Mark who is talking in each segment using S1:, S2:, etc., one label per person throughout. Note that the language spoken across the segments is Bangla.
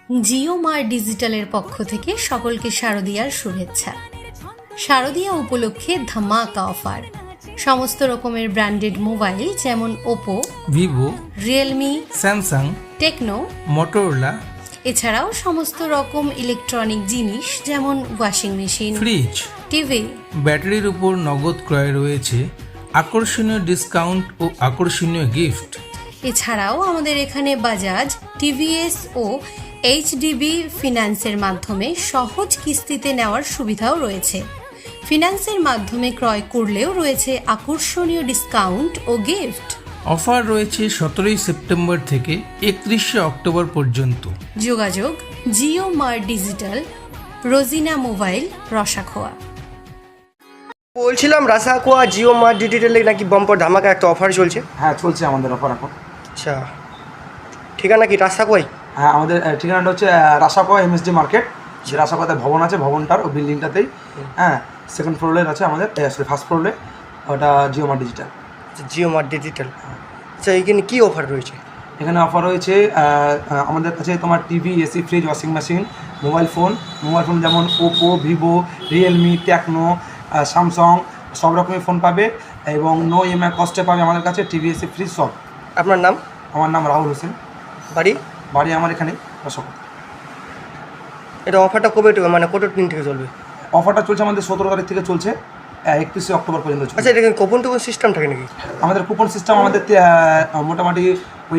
S1: জিও মার ডিজিটালের পক্ষ থেকে সকলকে শারদীয়ার শুভেচ্ছা। শারদীয়া উপলক্ষে ধামাকা অফার। সমস্ত রকমের ব্র্যান্ডেড মোবাইল যেমন Oppo,
S2: Vivo,
S1: Realme,
S2: Samsung,
S1: Tecno,
S2: Motorola,
S1: এছাড়াও সমস্ত রকম ইলেকট্রনিক জিনিস যেমন ওয়াশিং মেশিন,
S2: ফ্রিজ,
S1: টিভি,
S2: ব্যাটারির উপর নগদ ক্রয়ে রয়েছে আকর্ষণীয় ডিসকাউন্ট ও আকর্ষণীয় গিফট।
S1: এছাড়াও আমাদের এখানে বাজাজ, টিভিএস ও এইচডিবি ফিন্যান্সের মাধ্যমে সহজ কিস্তিতে নেওয়ার সুবিধাও রয়েছে। ফিন্যান্সের মাধ্যমে ক্রয় করলেও রয়েছে আকর্ষণীয় ডিসকাউন্ট ও গিফট।
S2: অফার রয়েছে 17 সেপ্টেম্বর থেকে 31 অক্টোবর পর্যন্ত।
S1: যোগাযোগ জিও মার ডিজিটাল, রোজিনা মোবাইল, রসাখোয়া।
S3: বলছিলাম রাসাকোয়া জিও মার্ট ডিজিটালে নাকি বাম্পার ধামাকা একটা অফার চলছে।
S4: হ্যাঁ, চলছে আমাদের অফার এখন।
S3: আচ্ছা, ঠিকানা কি রাসাকোয়াই?
S4: হ্যাঁ, আমাদের ঠিকানাটা হচ্ছে রাসাকোয়া এমএসডি মার্কেট। যে রাসাকোয়াতে ভবন আছে, ভবনটার ও বিল্ডিংটাতেই। হ্যাঁ, সেকেন্ড ফ্লোরে আছে আমাদের, ফার্স্ট ফ্লোরে ওটা Jio mart digital.
S3: Jio mart digital. আচ্ছা, এখানে কী অফার রয়েছে?
S4: এখানে অফার রয়েছে আমাদের কাছে তোমার TV, AC, fridge, washing machine, mobile phone যেমন Oppo, Vivo, Realme, Tecno, Samsung সব রকমের ফোন পাবে এবং নো ইএমআই কস্টে পাবে আমাদের কাছে টিভি, এসি, ফ্রিজ সব।
S3: আপনার নাম?
S4: আমার নাম রাহুল হোসেন।
S3: বাড়ি
S4: আমার এখানে রাসাকোয়া।
S3: এটা অফারটা কবে মানে কত দিন থেকে চলবে?
S4: অফারটা চলছে আমাদের 17 তারিখ থেকে চলছে 31 অক্টোবর পর্যন্ত চলছে।
S3: আচ্ছা, এটা কুপন টুপন সিস্টেম থাকে নাকি?
S4: আমাদের কুপন সিস্টেম আমাদের মোটামুটি ওই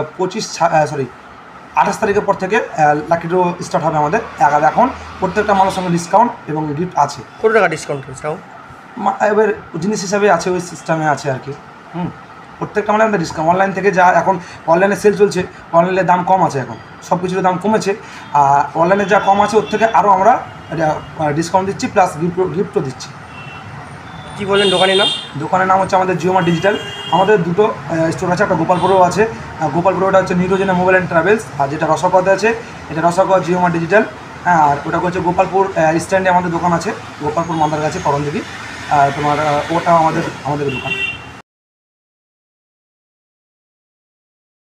S4: 28 তারিখের পর থেকে লাকি ড্র স্টার্ট হবে আমাদের। এখন প্রত্যেকটা মানুষের সঙ্গে ডিসকাউন্ট এবং গিফট আছে।
S3: কত টাকা ডিসকাউন্ট হয়েছে?
S4: এবার জিনিস হিসাবে আছে, ওই সিস্টেমে আছে আর কি। প্রত্যেকটা মানে আমাদের ডিসকাউন্ট অনলাইন থেকে যা এখন অনলাইনে সেল চলছে, অনলাইনের দাম কম আছে এখন, সব কিছুর দাম কমেছে। আর অনলাইনে যা কম আছে ওর থেকে আরও আমরা ডিসকাউন্ট দিচ্ছি, প্লাস গিফটও দিচ্ছি।
S3: কী বললেন দোকানের নাম?
S4: দোকানের নাম হচ্ছে আমাদের জিও মার্ট ডিজিটাল। আমাদের দুটো স্টোর আছে, একটা গোপালপুরেও আছে। গোপালপুরটা হচ্ছে নিরোজনা মোবাইল অ্যান্ড ট্রাভেলস, আর যেটা রসাকোয়াতে আছে এটা রসাকোয়া জিও মার্ট ডিজিটাল। হ্যাঁ, আর ওটা হচ্ছে গোপালপুর স্ট্যান্ডে আমাদের দোকান আছে, গোপালপুর মান্দার কাছে করণদিঘি। তোমার ওটা আমাদের দোকান।